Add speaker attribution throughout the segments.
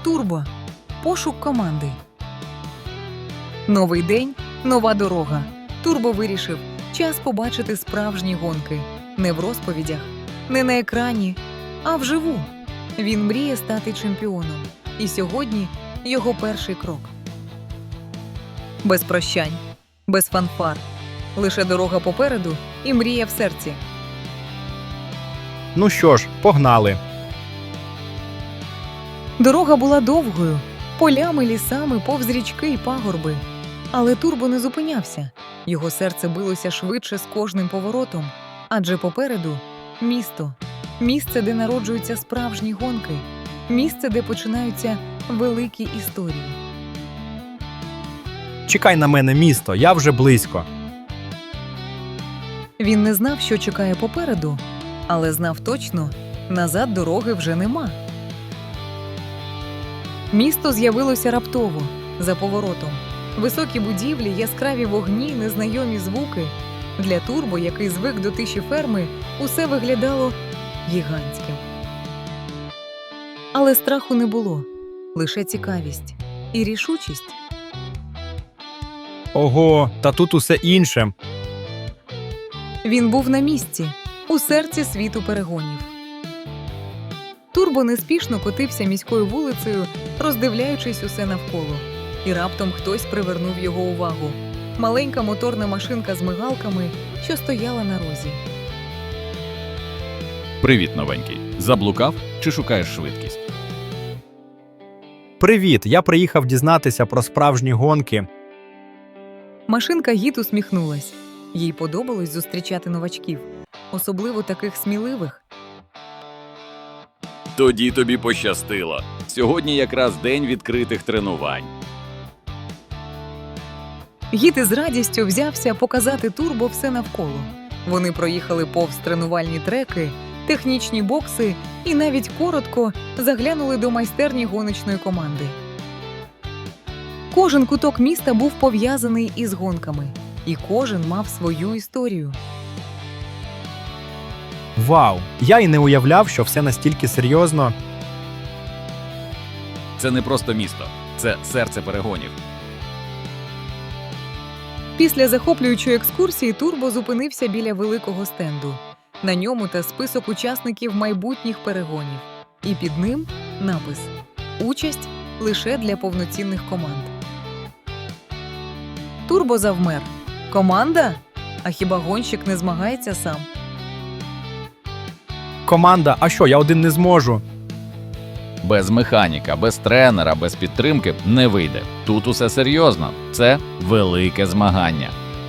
Speaker 1: Турбо. Пошук команди. Новий день, нова дорога. Турбо вирішив час побачити справжні гонки. Не в розповідях, не на екрані, а вживу. Він мріє стати чемпіоном. І сьогодні його перший крок. Без прощань, без фанфар. Лише дорога попереду і мрія в серці.
Speaker 2: Ну що ж, погнали.
Speaker 1: Дорога була довгою, полями, лісами, повз річки й пагорби. Але Турбо не зупинявся. Його серце билося швидше з кожним поворотом. Адже попереду – місто. Місце, де народжуються справжні гонки. Місце, де починаються великі історії.
Speaker 2: Чекай на мене, місто, я вже близько.
Speaker 1: Він не знав, що чекає попереду, але знав точно – назад дороги вже нема. Місто з'явилося раптово, за поворотом. Високі будівлі, яскраві вогні, незнайомі звуки. Для Турбо, який звик до тиші ферми, усе виглядало гігантським. Але страху не було, лише цікавість і рішучість.
Speaker 2: Ого, та тут усе інше.
Speaker 1: Він був на місці, у серці світу перегонів. Турбо неспішно котився міською вулицею, роздивляючись усе навколо. І раптом хтось привернув його увагу. Маленька моторна машинка з мигалками, що стояла на розі.
Speaker 3: Привіт, новенький. Заблукав чи шукаєш швидкість?
Speaker 2: Привіт, я приїхав дізнатися про справжні гонки.
Speaker 1: Машинка гід усміхнулась. Їй подобалось зустрічати новачків, особливо таких сміливих.
Speaker 3: Тоді тобі пощастило. Сьогодні якраз день відкритих тренувань.
Speaker 1: Гід із радістю взявся показати Турбо все навколо. Вони проїхали повз тренувальні треки, технічні бокси і навіть коротко заглянули до майстерні гоночної команди. Кожен куток міста був пов'язаний із гонками, і кожен мав свою історію.
Speaker 2: Вау, я й не уявляв, що все настільки серйозно.
Speaker 3: Це не просто місто. Це серце перегонів.
Speaker 1: Після захоплюючої екскурсії Турбо зупинився біля великого стенду. На ньому та список учасників майбутніх перегонів. І під ним напис «Участь лише для повноцінних команд». Турбо завмер. Команда? А хіба гонщик не змагається сам?
Speaker 2: Команда, а що, я один не зможу?
Speaker 3: Без механіка, без тренера, без підтримки не вийде. Тут усе серйозно. Це велике змагання.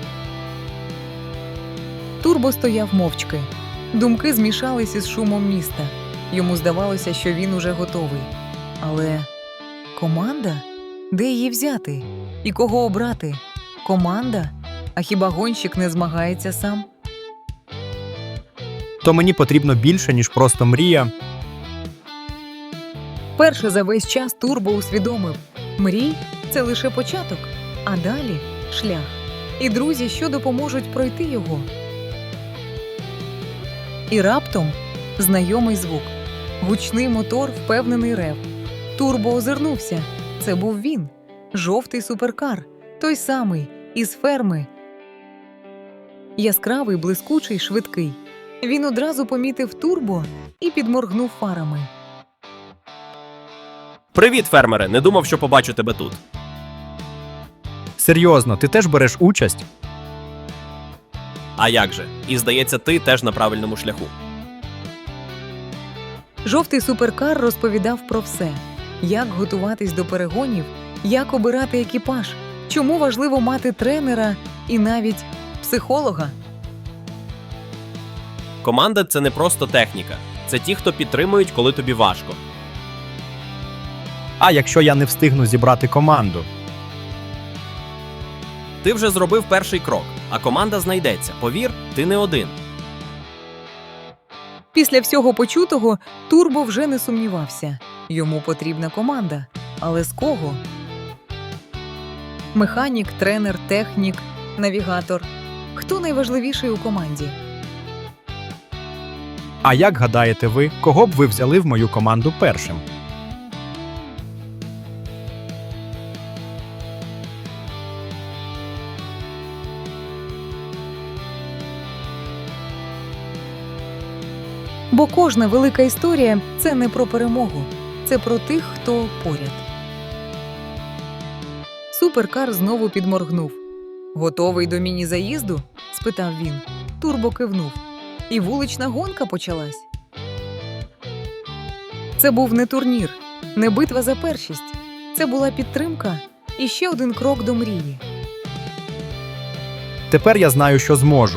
Speaker 1: Турбо стояв мовчки. Думки змішались із шумом міста. Йому здавалося, що він уже готовий. Але команда? Де її взяти? І кого обрати? Команда? А хіба гонщик не змагається сам?
Speaker 2: То мені потрібно більше, ніж просто мрія.
Speaker 1: Перше за весь час Турбо усвідомив – мрій – це лише початок, а далі – шлях. І друзі, що допоможуть пройти його. І раптом – знайомий звук. Гучний мотор, впевнений рев. Турбо озирнувся. Це був він. Жовтий суперкар. Той самий, із ферми. Яскравий, блискучий, швидкий. Він одразу помітив Турбо і підморгнув фарами.
Speaker 4: Привіт, фермере! Не думав, що побачу тебе тут.
Speaker 2: Серйозно, ти теж береш участь?
Speaker 4: А як же? І здається, ти теж на правильному шляху.
Speaker 1: Жовтий суперкар розповідав про все. Як готуватись до перегонів, як обирати екіпаж, чому важливо мати тренера і навіть психолога.
Speaker 4: Команда – це не просто техніка. Це ті, хто підтримують, коли тобі важко.
Speaker 2: А якщо я не встигну зібрати команду?
Speaker 4: Ти вже зробив перший крок, а команда знайдеться. Повір, ти не один.
Speaker 1: Після всього почутого Турбо вже не сумнівався. Йому потрібна команда. Але з кого? Механік, тренер, технік, навігатор. Хто найважливіший у команді?
Speaker 2: А як гадаєте ви, кого б ви взяли в мою команду першим?
Speaker 1: Бо кожна велика історія – це не про перемогу, це про тих, хто поряд. Суперкар знову підморгнув. «Готовий до міні-заїзду?» – спитав він. Турбо кивнув. І вулична гонка почалась. Це був не турнір, не битва за першість. Це була підтримка і ще один крок до мрії.
Speaker 2: Тепер я знаю, що зможу.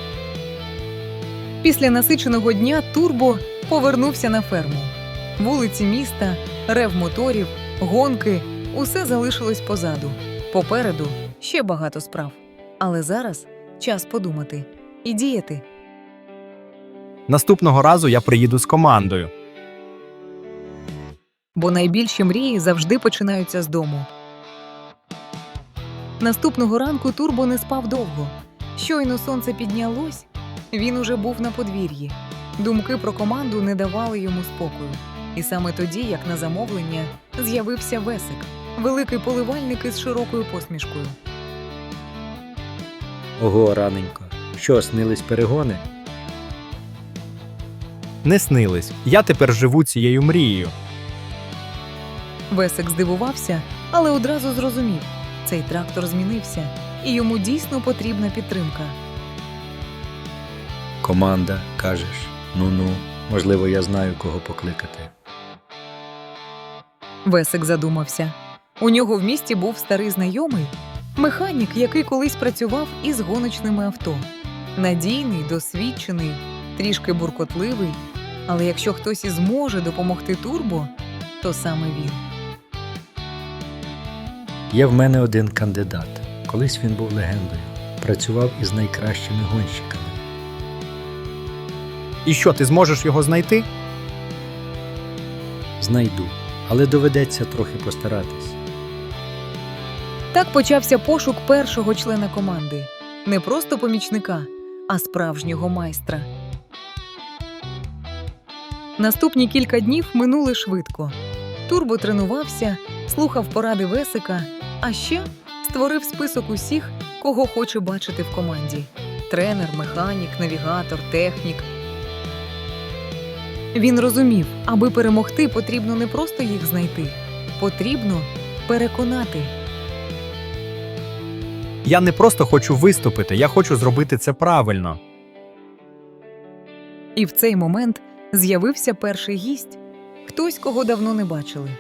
Speaker 1: Після насиченого дня Турбо повернувся на ферму. Вулиці міста, рев моторів, гонки – усе залишилось позаду. Попереду ще багато справ. Але зараз час подумати і діяти.
Speaker 2: Наступного разу я приїду з командою.
Speaker 1: Бо найбільші мрії завжди починаються з дому. Наступного ранку Турбо не спав довго. Щойно сонце піднялось, він уже був на подвір'ї. Думки про команду не давали йому спокою. І саме тоді, як на замовлення, з'явився Весик, великий поливальник із широкою посмішкою.
Speaker 5: Ого, раненько. Що, снились перегони?
Speaker 2: Не снились. Я тепер живу цією мрією.
Speaker 1: Весик здивувався, але одразу зрозумів – цей трактор змінився, і йому дійсно потрібна підтримка.
Speaker 5: Команда, кажеш. Ну-ну, можливо, я знаю, кого покликати.
Speaker 1: Весик задумався. У нього в місті був старий знайомий, механік, який колись працював із гоночними авто. Надійний, досвідчений, трішки буркотливий, але якщо хтось і зможе допомогти Турбо, то саме він.
Speaker 5: Є в мене один кандидат. Колись він був легендою. Працював із найкращими гонщиками.
Speaker 2: І що, ти зможеш його знайти?
Speaker 5: Знайду, але доведеться трохи постаратись.
Speaker 1: Так почався пошук першого члена команди. Не просто помічника, а справжнього майстра. Наступні кілька днів минули швидко. Турбо тренувався, слухав поради Весика, а ще створив список усіх, кого хоче бачити в команді. Тренер, механік, навігатор, технік. Він розумів, аби перемогти, потрібно не просто їх знайти. Потрібно переконати.
Speaker 2: Я не просто хочу виступити, я хочу зробити це правильно.
Speaker 1: І в цей момент з'явився перший гість – хтось, кого давно не бачили.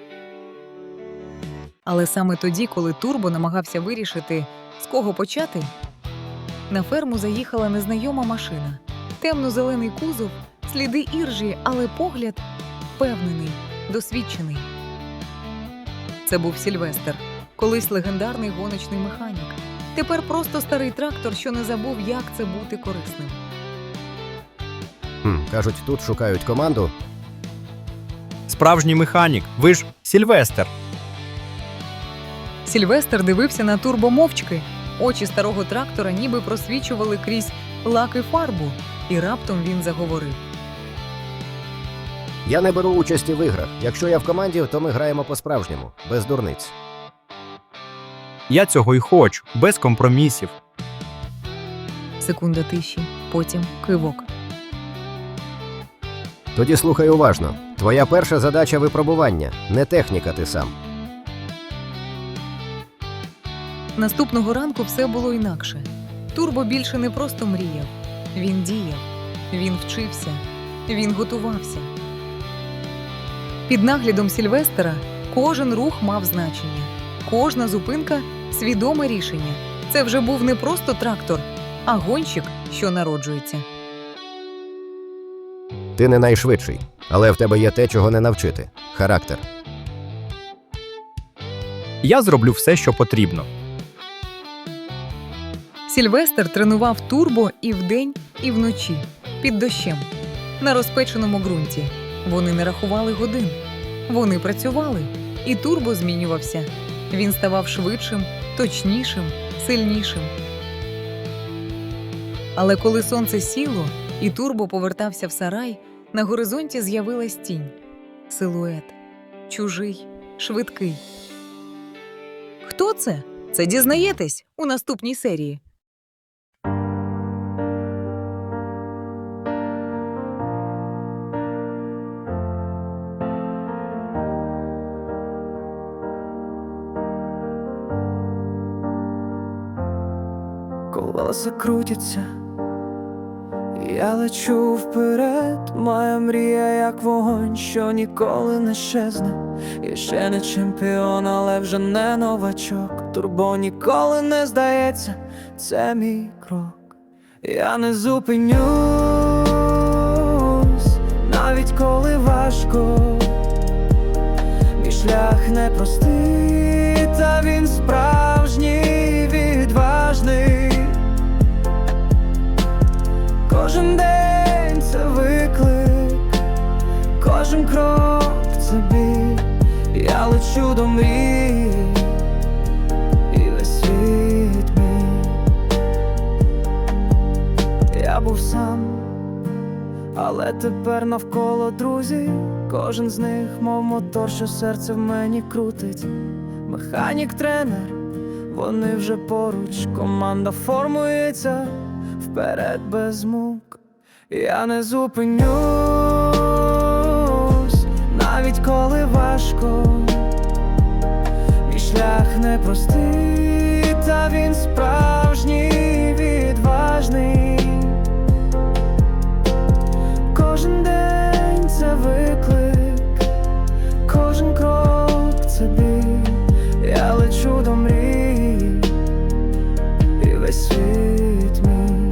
Speaker 1: Але саме тоді, коли Турбо намагався вирішити, з кого почати, на ферму заїхала незнайома машина. Темно-зелений кузов, сліди іржі, але погляд впевнений, досвідчений. Це був Сільвестр, колись легендарний гоночний механік. Тепер просто старий трактор, що не забув, як це бути корисним.
Speaker 6: Кажуть, тут шукають команду.
Speaker 2: Справжній механік, ви ж Сільвестр.
Speaker 1: Сільвестр дивився на Турбо мовчки. Очі старого трактора ніби просвічували крізь лак і фарбу. І раптом він заговорив.
Speaker 6: Я не беру участі в іграх. Якщо я в команді, то ми граємо по-справжньому, без дурниць.
Speaker 2: Я цього й хочу, без компромісів.
Speaker 1: Секунда тиші, потім кивок.
Speaker 6: Тоді слухай уважно. Твоя перша задача – випробування, не техніка ти сам.
Speaker 1: Наступного ранку все було інакше. Турбо більше не просто мріяв. Він діяв, він вчився, він готувався. Під наглядом Сільвестера кожен рух мав значення. Кожна зупинка – свідоме рішення. Це вже був не просто трактор, а гонщик, що народжується.
Speaker 6: Ти не найшвидший, але в тебе є те, чого не навчити – характер.
Speaker 2: Я зроблю все, що потрібно.
Speaker 1: Сільвестр тренував Турбо і вдень, і вночі, під дощем, на розпеченому ґрунті. Вони не рахували годин. Вони працювали, і Турбо змінювався. Він ставав швидшим, точнішим, сильнішим. Але коли сонце сіло, і Турбо повертався в сарай, на горизонті з'явилась тінь. Силует. Чужий, швидкий. Хто це? Це дізнаєтесь у наступній серії.
Speaker 7: колеса крутяться, я лечу вперед, моя мрія як вогонь, що ніколи не щезне. Я ще не чемпіон, але вже не новачок. Турбо ніколи не здається, це мій крок. Я не зупинюсь, навіть коли важко. Мій шлях непростий, та він справжній, відважний. Кожен день це виклик, кожен крок це біль. Я лечу до мрії, і весь світ мій. Я був сам, але тепер навколо друзі. Кожен з них, мов мотор, що серце в мені крутить. Механік, тренер, вони вже поруч. Команда формується вперед без мук. Я не зупинюсь, навіть коли важко. Мій шлях непростий, та він справжній, відважний. Кожен день це виклик, кожен крок це біль. Я лечу до мрії, і весь світ мій.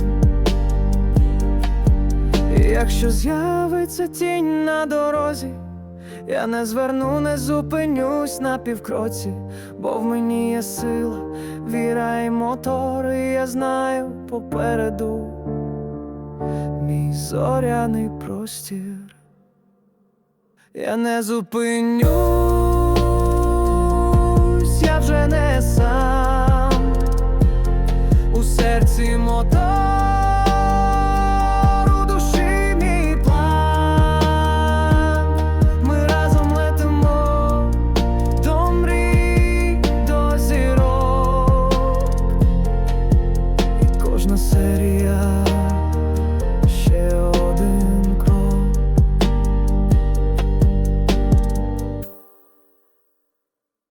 Speaker 7: І якщо з'явиться тінь на дорозі, я не зверну, не зупинюсь на півкроці, бо в мені є сила, віра і мотор, і я знаю попереду мій зоряний простір. Я не зупинюсь,